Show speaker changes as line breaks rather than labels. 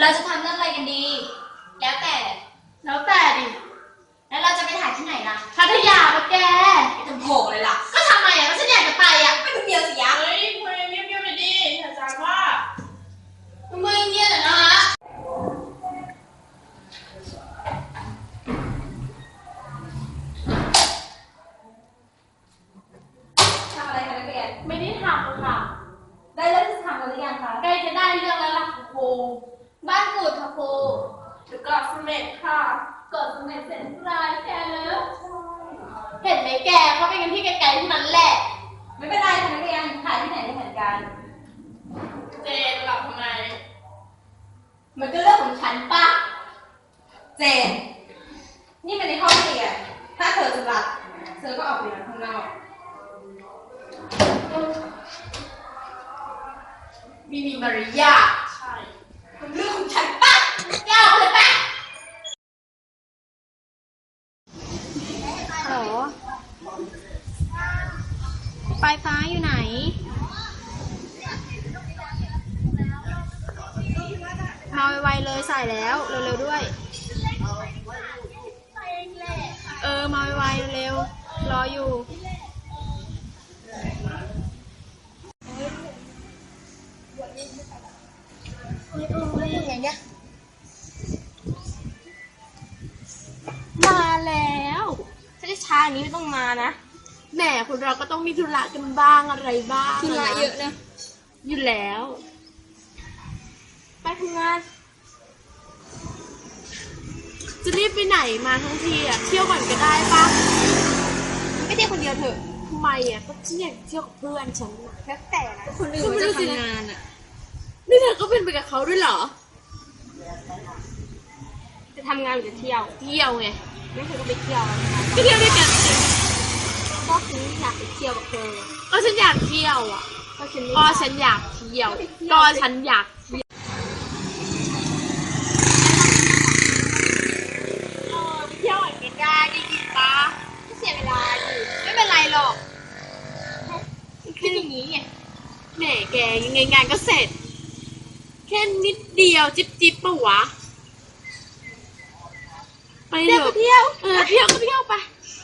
เราจะทำเรื่องอะไรกันดีแล้วแต่ดิ แล้วเราจะไปถ่ายที่ไหนล่ะ
พัทยาปะแก
ไม่ต้องโผล่เลยล่ะ
ก็ทำไมอ่ะก็ฉันอยากจะไปอ่ะ
ไม่ต้องเดียวสิยะ
เฮ้ยคุยเงียบๆไปดิอาจารย์ว่ามึงเงียบหน่อยนะฮะ
ทำอะไรคะนักเรียน
ไม่ได้ทำค่ะ
ได้เรื่องที่จะทำกันหรือยังคะ
ใกล้จะได้เรื่องแล้วล่ะครูบ้านกูดค่ะครูถึงเกาะเสม็ดค่ะเกาะเสม็ดเสร็จรายแกแล้วเห็นไหมแกเขาไปกันที่ไกลๆที่นั้นแหละ
ไม่เป็นไรค่ะนักเรียนถ่ายที่ไหนได้เหมือนกัน
เจนหลับทำไม
มันก็เรื่องของฉันป่ะเจนนี่มันในห้องเรียนถ้าเธอจะหลับเธอก็ออกไปนอนข้างนอก
มีมารยาทใช่
มันเรื่องของฉันป่ะยาวเลยป่ะ
ฮัลโหลปลายฟ้าอยู่ไหน มาไวๆเลยใส่แล้วเร็วๆด้วย มาไวๆเร็วๆรออยู่มาแล้วถ้าได้ช้าอย่างนี้ไม่ต้องมานะแหมคนเราก็ต้องมีธุระกันบ้างอะไรบ้าง
ธุระเยอะนะ
อยู่แล้วไปทำงานจะรีบไปไหนมาทั้งทีอ่ะเที่ยวก่อนก็ได้ปะไม่เที่ยวคนเดียวเถอะทำไมอ่ะก็ฉันอยากเที่ยวกับเพื่อนฉัน
แล้วแต่นะคนอื่นจะทำงานอ่ะ
นี่เธอก็เป็นไปกับเขาด้วยเหรอจะทำงานหรือจะเที่ยวไงไม่เคยก็ไปเที่ยวก็เที่ยวด้วยกันก็ฉันอยากไปเที่ยวกับเธอก็ฉันอยากเที่ยวอ่ะก็ฉันอยากเที่ยวก็ฉันอยากเที่ยวไปเที่ยวไหนกันได้ดีปะไม่เสียเวลาดิไม่เป็นไรหรอกคืออย่างนี้ไงแหมแกยังไงงานก็เสร็จแค่นิดเดียวจิ๊บปะวะไปเถอะเที่ยวก็เที่ยวไป